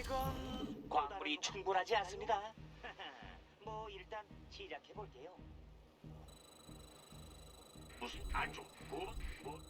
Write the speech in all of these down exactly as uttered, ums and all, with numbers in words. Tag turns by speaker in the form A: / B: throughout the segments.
A: 이건 광물이 충분하지 않습니다. 뭐 일단 시작해 볼게요.
B: 무슨 안쪽 뭐? 뭐?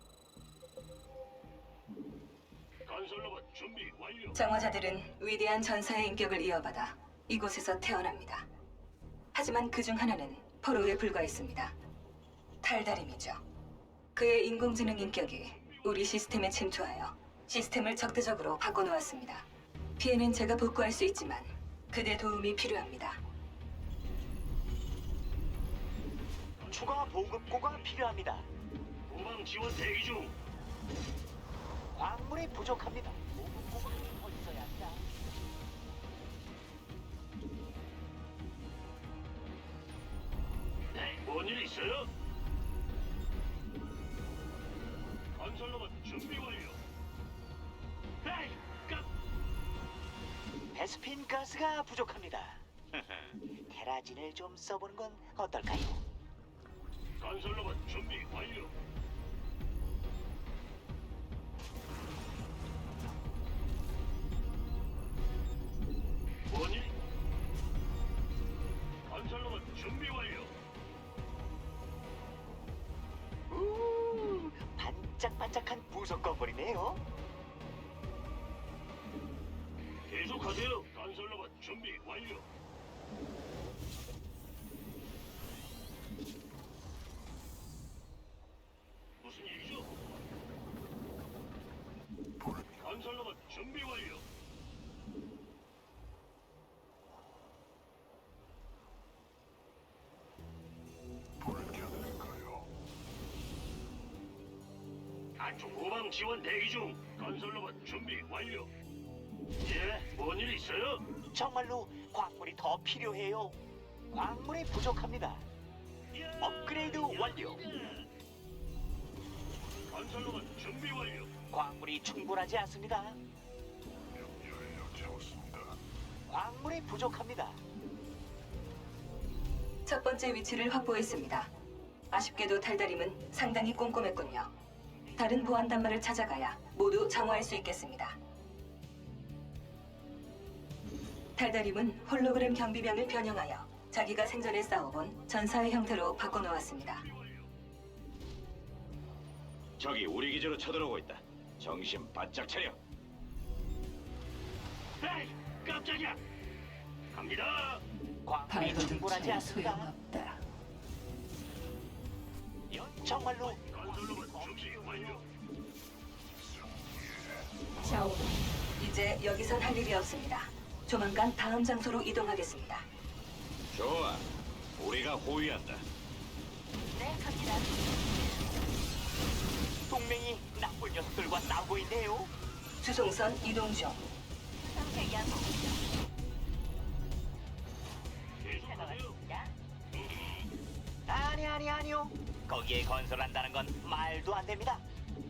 B: 건설로봇 준비 완료.
C: 정화자들은 위대한 전사의 인격을 이어받아 이곳에서 태어납니다. 하지만 그 중 하나는 포로에 불과했습니다. 탈다림이죠. 그의 인공지능 인격이 우리 시스템에 침투하여 시스템을 적대적으로 바꿔놓았습니다. 피해는 제가 복구할 수 있지만 그대 도움이 필요합니다.
A: 추가 보급고가 필요합니다.
B: 후방 지원 대기 중.
A: 광물이 부족합니다. 보급고가 더 있어야 한다.
B: 네, 뭔일 있어요? 건설로봇 준비 완료. 에이, 깜.
A: 베스핀 가스가 부족합니다. 테라진을 좀 써보는 건 어떨까요?
B: 건설로봇 준비 완료. 뭐니? 건설로봇 준비 완료.
A: 우 반짝반짝한 부속 건물이네요.
B: 계속하세요. 건설로봇 준비 완료. 무슨 일이죠? 건설로봇 준비 완료. 안쪽 후방 지원 대기 중. 건설로봇 준비 완료. 예, 뭔 일 있어요?
A: 정말로 광물이 더 필요해요. 광물이 부족합니다. 업그레이드 완료.
B: 건설로봇 준비 완료.
A: 광물이 충분하지 않습니다. 광물이 부족합니다.
C: 첫 번째 위치를 확보했습니다. 아쉽게도 탈다림은 상당히 꼼꼼했군요. 다른 보안 단말을 찾아가야 모두 정화할 수 있겠습니다. 탈다림은 홀로그램 경비병을 변형하여 자기가 생전에 싸워본 전사의 형태로 바꿔놓았습니다.
D: 적이 우리 기지로 쳐들어오고 있다. 정신 바짝 차려.
B: 에이, 깜짝이야. 갑니다.
A: 광물이 충분하지 않습니다.
E: 소용없다.
A: 연 정말로
B: 건설로봇 준비 완료.
E: 자원
C: 이제 여기선 할 일이 없습니다. 조만간 다음 장소로 이동하겠습니다.
D: 좋아. 우리가 호위한다.
A: 네, 갑니다. 동맹이 나쁜 녀석들과 싸우고 있네요.
C: 수송선 이동 중.
A: 상태 양호.
B: 계속하세요.
A: 아니 아니 아니요. 거기에 건설한다는 건 말도 안 됩니다.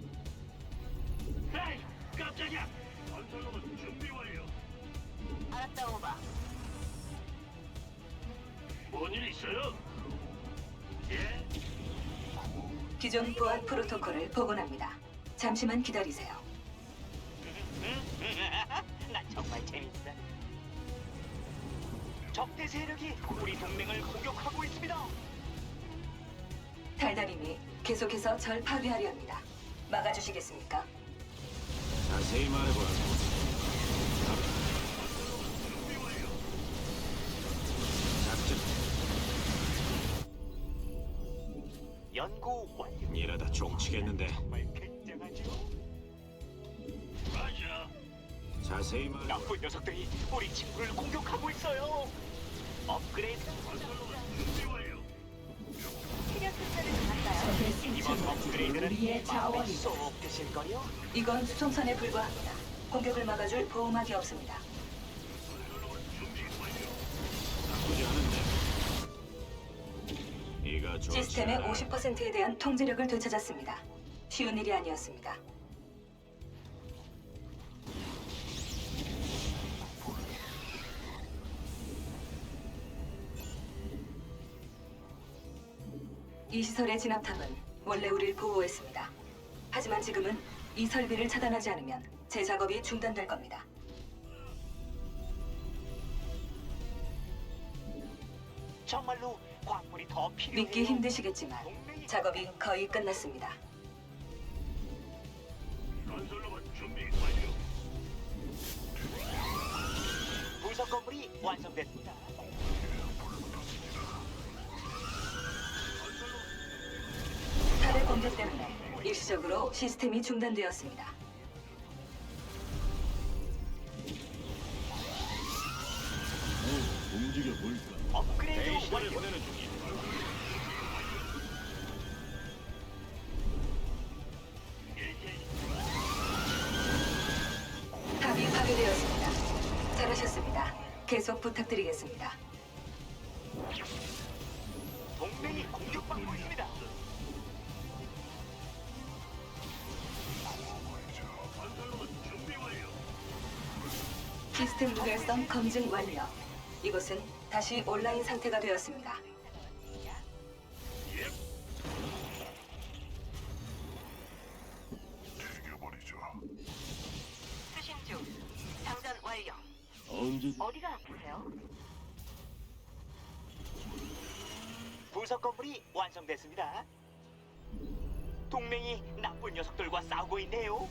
B: 에이, 깜짝이야. 건설로봇 준비 완료.
A: 알았다 오바.
B: 뭔 일 있어요? 예?
C: 기존 보안 프로토콜을 복원합니다. 잠시만 기다리세요.
A: 나 정말 재밌어. 적대 세력이 우리 동맹을 공격하고 있습니다.
C: 달달임이 계속해서 절 파괴하려 합니다. 막아주시겠습니까?
D: 자세히 말해보라.
B: 준비 완료.
D: 작전
A: 연구 완료.
D: 이러다 종치겠는데.
A: 정말 굉장하죠.
B: 맞아.
D: 자세히 말해.
A: 나쁜 녀석들이 우리 친구를 공격하고 있어요. 업그레이드.
B: 건설로봇 준비 완료.
E: 적의
A: 이번
E: 승천은
A: 업그레이드는
E: 우리의
A: 마음에
E: 자원이다.
A: 쏙 드실 거요.
C: 이건 수송선에 불과합니다. 공격을 막아줄 보호막이 없습니다.
B: 건설로봇 준비 완료.
D: 나쁘지 않은데. 이가 좋지
C: 시스템의
D: 않아.
C: 오십 퍼센트에 대한 통제력을 되찾았습니다. 쉬운 일이 아니었습니다. 이 시설의 진압탑은 원래 우릴 보호했습니다. 하지만 지금은 이 설비를 차단하지 않으면 제 작업이 중단될 겁니다.
A: 정말로 광물이 더 필요해요.
C: 믿기 힘드시겠지만 작업이 거의 끝났습니다.
B: 건설로봇 준비 완료.
A: 부속 건물이 완성됐습니다.
C: 탑의 공격 때문에 일시적으로 시스템이 중단되었습니다.
E: 움직여 볼까?
A: 업그레이드
D: 베이시를
A: 완료.
D: 보내는 중이야.
C: 탑이 파괴되었습니다. 잘하셨습니다. 계속 부탁드리겠습니다.
A: 동맹이 공격받고 있습니다.
B: 건설로봇 준비 완료.
C: 시스템 무결성 검증 완료. 이곳은 다시 온라인 상태가 되었습니다.
B: 예.
C: 수신 중. 장전 완료.
E: 언제
C: 어디가 아프세요?
A: 부속 건물이 완성됐습니다. 동맹이 나쁜 녀석들과 싸우고 있네요.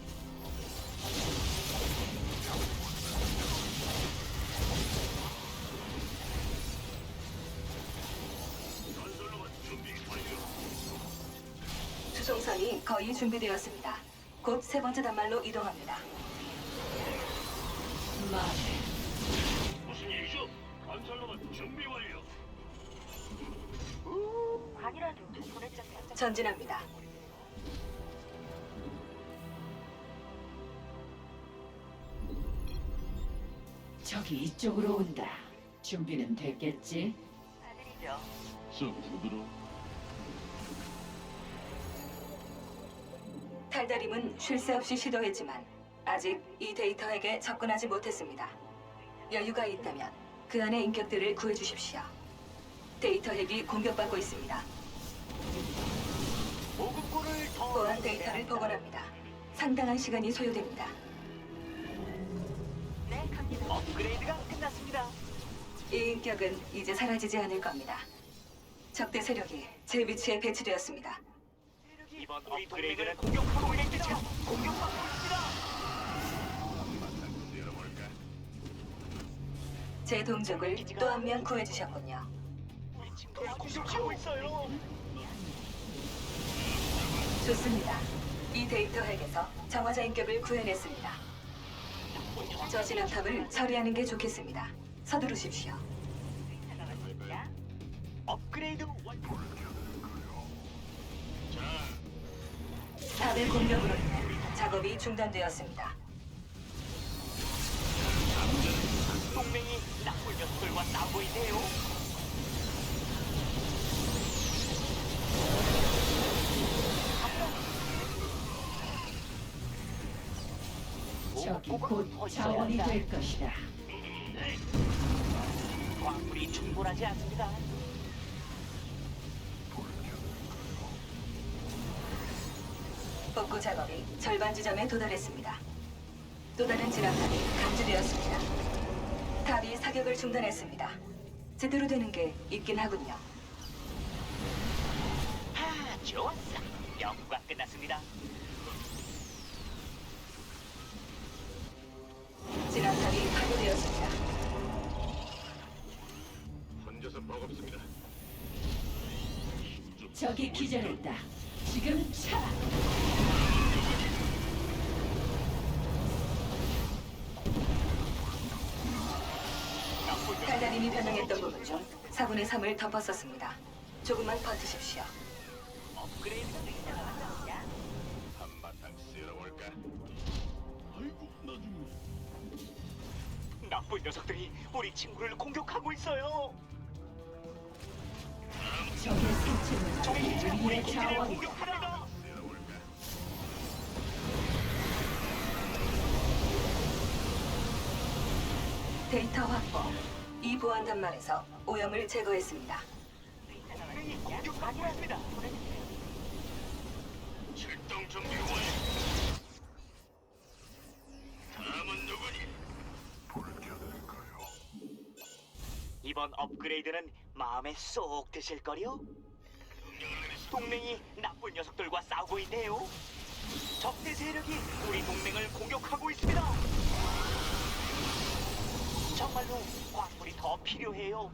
B: 건설로봇 준비 완료.
C: 수송선이 거의 준비되었습니다. 곧 세 번째 단말로 이동합니다.
B: 무슨 일이죠? 건설로봇 준비 완료.
C: 전진합니다.
F: 저기 이쪽으로 온다. 준비는 됐겠지?
E: 좀 부드러?
C: 탈다림은 쉴 새 없이 시도했지만 아직 이 데이터에게 접근하지 못했습니다. 여유가 있다면 그 안의 인격들을 구해주십시오. 데이터 핵이 공격받고 있습니다.
A: 보급고를 더
C: 보안 데이터를 복원합니다. 상당한 시간이 소요됩니다.
A: 업그레이드가 끝났습니다.
C: 이 인격은 이제 사라지지 않을 겁니다. 적대 세력이 제 위치에 배치되었습니다.
A: 이번 업그레이드는 공격하고 있습니다. 공격받고 있습니다.
C: 제 동족을 또 한 명 구해주셨군요.
A: 우리 친구를 공격하고 있어요.
C: 좋습니다. 이 데이터 핵에서 정화자 인격을 구해냈습니다. 저 진압탑을 처리하는 게 좋겠습니다. 서두르십시오.
A: 업그레이드 완료.
C: 탑의 공격으로 인해 작업이 중단되었습니다.
A: 동맹이 나쁜 녀석들과 싸우고 있네요.
F: 저기 곧 자원이 될 것이다.
A: 광물이 충분하지 않습니다.
C: 복구 작업이 절반 지점에 도달했습니다. 또 다른 진압탑이 감지되었습니다. 탑이 사격을 중단했습니다. 제대로 되는 게 있긴 하군요.
A: 아, 좋았어. 연구가 끝났습니다.
C: 진압탑이 파괴되었습니다.
D: 혼자서 버겁습니다.
F: 저기 기절했다. 지금 차.
C: 달달님이 변형했던 부분 중 사분의 삼을 덮었었습니다. 조금만 버티십시오.
A: 업그레이드가 끝났습니다.
D: 한바탕 쓸어볼까?
E: 아이고 나중에
A: 나쁜 녀석들이 우리 친구를 공격하고 있어요.
F: 적의 생체는
A: 저희 친구의
F: 우리의
A: 기지를
F: 자원이다.
A: 공격합니다.
C: 데이터 확보. 이 보안 단말에서 오염을 제거했습니다.
A: 동맹이 공격받고 있습니다.
B: 출동 준비 완료. 다음은 누구니?
A: 이번 업그레이드는 마음에 쏙 드실걸요? 동맹이 나쁜 녀석들과 싸우고 있네요. 적대 세력이 우리 동맹을 공격하고 있습니다. 정말로 광물이 더 필요해요.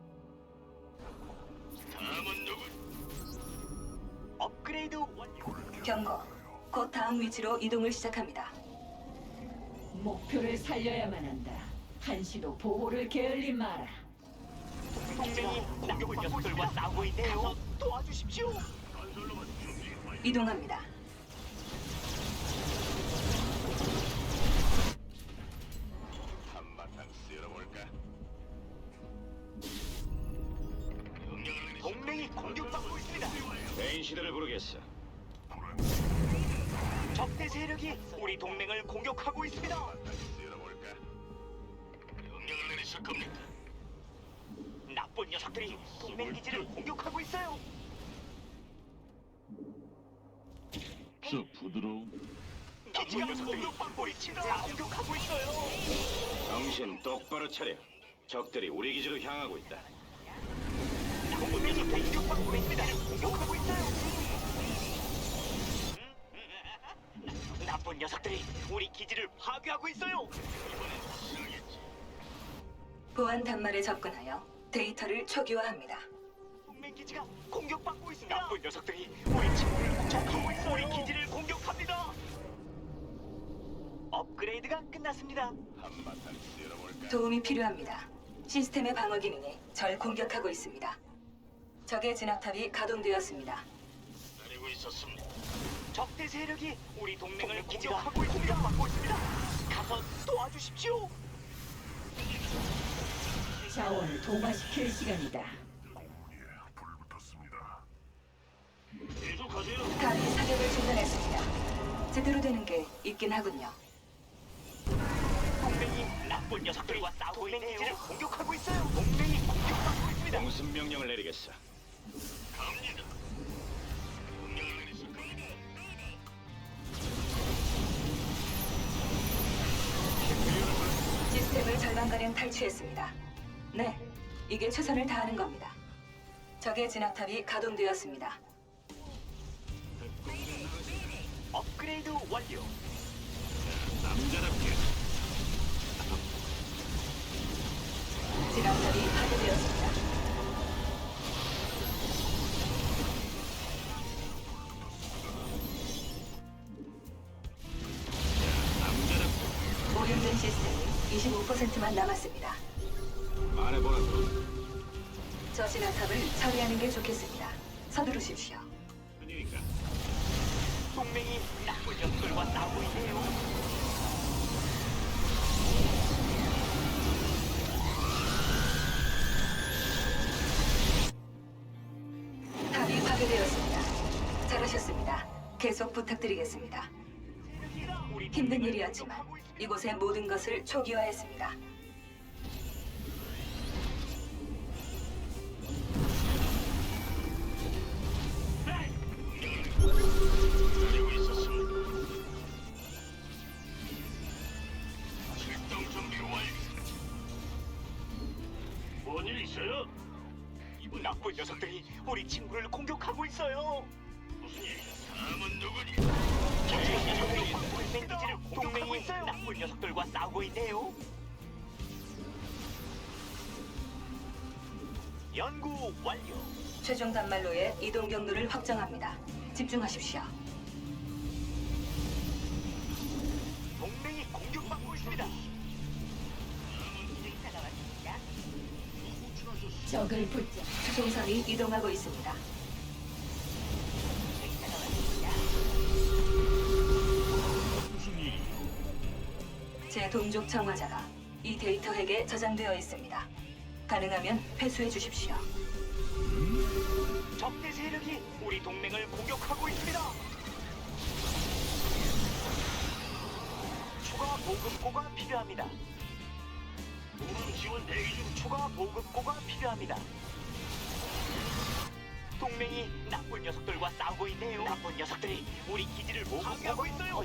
B: 다음은 누구?
A: 업그레이드 완료.
C: 경고. 곧 다음 위치로 이동을 시작합니다.
F: 목표를 살려야만 한다. 한시도 보호를 게을리 마라.
A: 동맹이 나쁜 녀석들과 싸우고 있네요. 도와주십시오.
B: 건설로봇 준비 완료.
C: 이동합니다.
D: 한바탕 쓸어볼까?
B: 명령을 내리시.
A: 동맹이 공격받고 있습니다.
D: 메인 시대를 부르겠어.
A: 적대 세력이 우리 동맹을 공격하고 있습니다.
D: 쓸어볼까?
B: 명령을 내리실 겁니다.
A: 나쁜 녀석들이 동맹 기지를 공격하고 있어요.
E: 저 부드러운
A: 기지가 공격받고 우리 지금 다 공격하고 있어요.
D: 정신 똑바로 차려. 적들이 우리 기지로 향하고 있다.
A: 나쁜 녀석들이 공격받고 있습니다. 공격하고 있어요. 나쁜 녀석들이 우리 기지를 파괴하고 있어요.
C: 보안 단말에 접근하여 데이터를 초기화합니다.
A: 동맹 기지가 공격받고 있습니다. 나쁜 녀석들이 우리 친구를 공격하고 있어요. 우리 기지를 공격합니다. 업그레이드가 끝났습니다.
D: 한바탕 쓸어볼까?
C: 도움이 필요합니다. 시스템의 방어 기능이 절 공격하고 있습니다. 적의 진압탑이 가동되었습니다.
B: 기다리고 있었습니다.
A: 적대 세력이 우리 동맹을 공격하고 있습니다. 공격받고 있습니다. 가서 도와주십시오.
F: 자원을 동화시킬 시간이다.
B: 계속하세요.
C: 탑이 사격을 중단했습니다. 제대로 되는 게 있긴 하군요.
A: 동맹이 나쁜 녀석들과 싸우고 있는 기지를 공격하고 있어요. 동맹이 공격받고 있습니다.
D: 공습 명령을 내리겠어.
B: 갑니다. 명령을 내리실 겁니다.
C: 시스템을 절반가량 탈취했습니다. 네, 이게 최선을 다하는 겁니다. 적의 진압탑이 가동되었습니다.
A: 업그레이드 완료.
B: 남자답게.
C: 진압탑이 파괴되었습니다. 오염된 시스템이 이십오 퍼센트만 남았습니다.
D: 말해보라.
C: 저 진압탑을 처리하는 게 좋겠습니다. 서두르십시오.
D: 그러니까
A: 동맹이 나쁜 녀석들과 싸우고 있네요.
C: 탑이 파괴되었습니다. 잘하셨습니다. 계속 부탁드리겠습니다.
A: 우리
C: 힘든 일이었지만 이곳의 모든 것을 초기화했습니다.
B: 기다리고 있었습니다. 출동 준비 완료. 뭔일 있어요?
A: 나쁜 녀석들이 우리 친구를 공격하고 있어요.
B: 무슨 일? 다음은 누구니?
A: 동맹 기지를 공격하고 있어요. 나쁜 녀석들과 싸우고 있네요. 연구 완료.
C: 최종 단말로의 이동 경로를 확정합니다. 집중하십시오.
A: 동맹이 공격받고 있습니다.
F: 적을 붙잡.
C: 수송선이 이동하고 있습니다.
E: 무슨 일이?
C: 제 동족 청화자가 이 데이터 핵에 저장되어 있습니다. 가능하면 회수해 주십시오.
A: 적대 세력이 우리 동맹을 공격하고 있습니다. 추가 보급고가 필요합니다.
B: 후방 지원 대기 중.
A: 추가 보급고가 필요합니다. 동맹이 나쁜 녀석들과 싸우고 있네요. 나쁜 녀석들이 우리 기지를 파괴하고 있어요.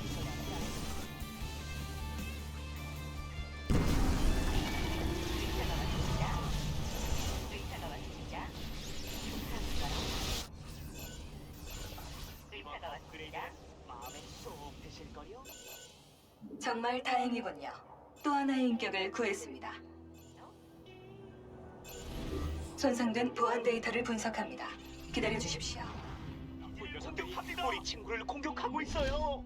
C: 정말 다행이군요. 또 하나의 인격을 구했습니다. 손상된 보안 데이터를 분석합니다. 기다려 주십시오.
A: 나쁜 녀석들이 우리 친구를 공격하고 있어요.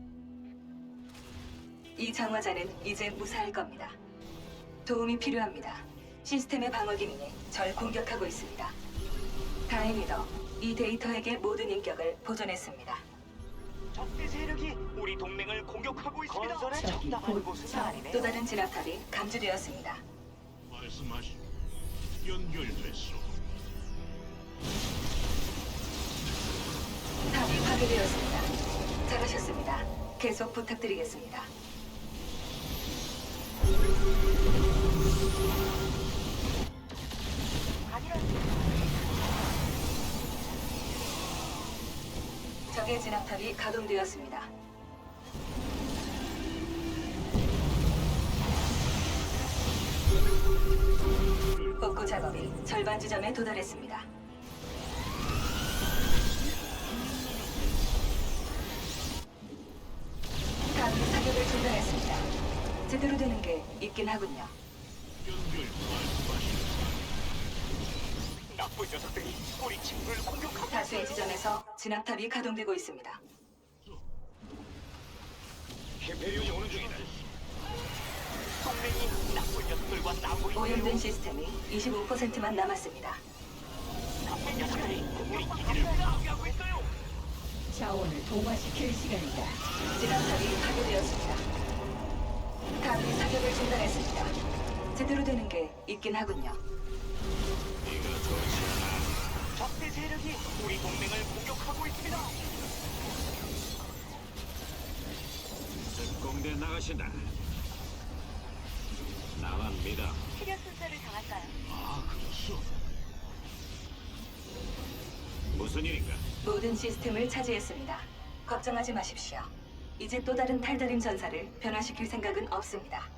C: 이 장화자는 이제 무사할 겁니다. 도움이 필요합니다. 시스템의 방어 기능이 절 공격하고 있습니다. 다행히도 이 데이터에게 모든 인격을 보존했습니다.
A: 적대 세력이 우리 동맹을 공격하고 있습니다. 건설에
F: 저기
A: 적당한
F: 곧
A: 곳은
F: 저-
A: 아니네요.
C: 또 다른 진압탑이 감지되었습니다.
E: 말씀하시. 연결됐소.
C: 탑이 파괴되었습니다. 잘하셨습니다. 계속 부탁드리겠습니다. 적의 진압탑이 가동되었습니다. 복구 작업이 절반 지점에 도달했습니다. 탑이 사격을 중단했습니다. 제대로 되는 게 있긴 하군요.
E: 연결 말씀하시.
A: 나쁜 녀석들이 우리 친구를 공격하고
C: 다수의
A: 있어요.
C: 지점에서 진압탑이 가동되고 있습니다.
D: 히페리온이 오는 중이다.
A: 동맹이 나쁜 녀석들과 싸우고 있어요.
C: 오염된 시스템이 이십오 퍼센트만 남았습니다.
A: 나쁜 녀석들이 우리 기지를 파괴하고 있어요.
F: 자원을 동화시킬 시간이다.
C: 진압탑이 파괴되었습니다. 탑이 사격을 중단했습니다. 제대로 되는 게 있긴 하군요.
D: 네가 좋지 않아.
A: 적대 세력이 우리 동맹을 공격하고 있습니다.
D: 특공대 나가신다. 나만 믿어.
G: 치료 순서를 정할까요?
E: 아, 그렇소.
D: 무슨 일인가?
C: 모든 시스템을 차지했습니다. 걱정하지 마십시오. 이제 또 다른 탈다림 전사를 변화시킬 생각은 없습니다.